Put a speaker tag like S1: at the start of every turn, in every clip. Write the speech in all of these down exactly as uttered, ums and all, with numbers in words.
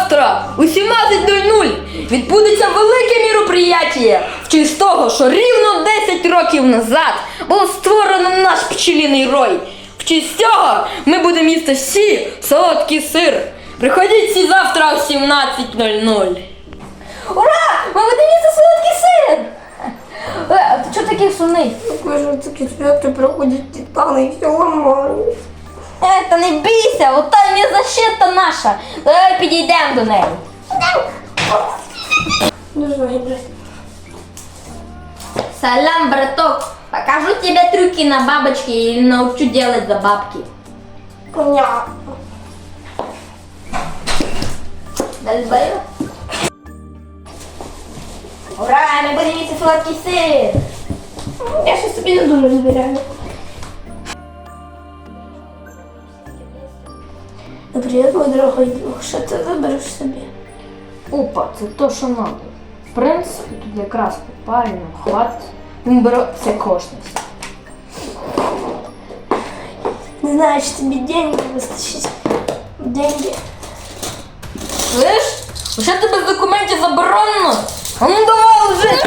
S1: завтра у сімнадцять нуль нуль відбудеться велике міроприяття в честь того, що рівно десять років назад було створено наш пчелиний рой. В честь цього ми будемо їсти всі солодкий сир. Приходіть всі завтра о сімнадцять нуль нуль.
S2: Ура! Ми будемо їсти солодкий сир! Е, а ти чого такий сумний?
S3: Кажу, такі свято проходять титани і все ламають.
S2: Е, та не бійся, от там є защита наша. Давай підійдемо до неї.
S3: Не знаю, брат.
S2: Салям, браток. Покажу тебе трюки на бабочке и научу делать за бабки.
S3: Понятно.
S2: Дальбаю. Ура, мы будем есть сладкий сыр.
S3: Я ще собі не думаю, збираю. Привіт, мій дорогий друг. Що ти вибереш собі?
S1: Опа, це то, що надо. В принципі, тут якраз попарено, хватить. Він бере все кошність.
S3: Не знаю, чи тобі деньги вистачить. Деньги.
S1: Слиш? Уже тебе з документів заборонено? А ну давай вже!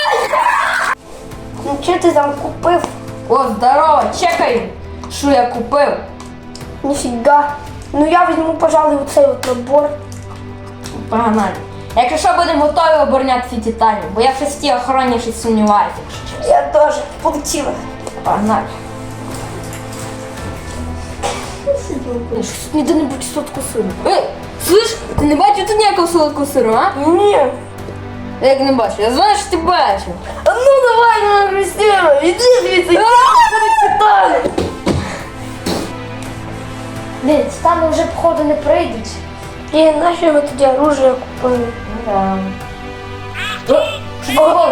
S3: Ну що ти там купив?
S1: О, здорово, чекай, що я купив.
S3: Ніфіга. Ну я візьму, пожалуй, оцей от набор.
S1: Погнали. Якщо що, будемо готові обороняти ці титанів, бо я в шесті охороні щось сумніваюся, якщо чесно.
S3: Я теж. Полетіла.
S1: Погнали.
S3: Ніде не будь сотку сину.
S1: Ей, слиш, ти не бачив тут ніякого солодкого сиру, а?
S3: Ні.
S1: Як не бачив? Я знаю, що ти бачив.
S3: А ну давай, моя Христина, іди звідси. Питали.
S2: Дивіться, там вже походу не прийдуть.
S3: І наші ми тоді оружие купили.
S1: Да.
S3: О,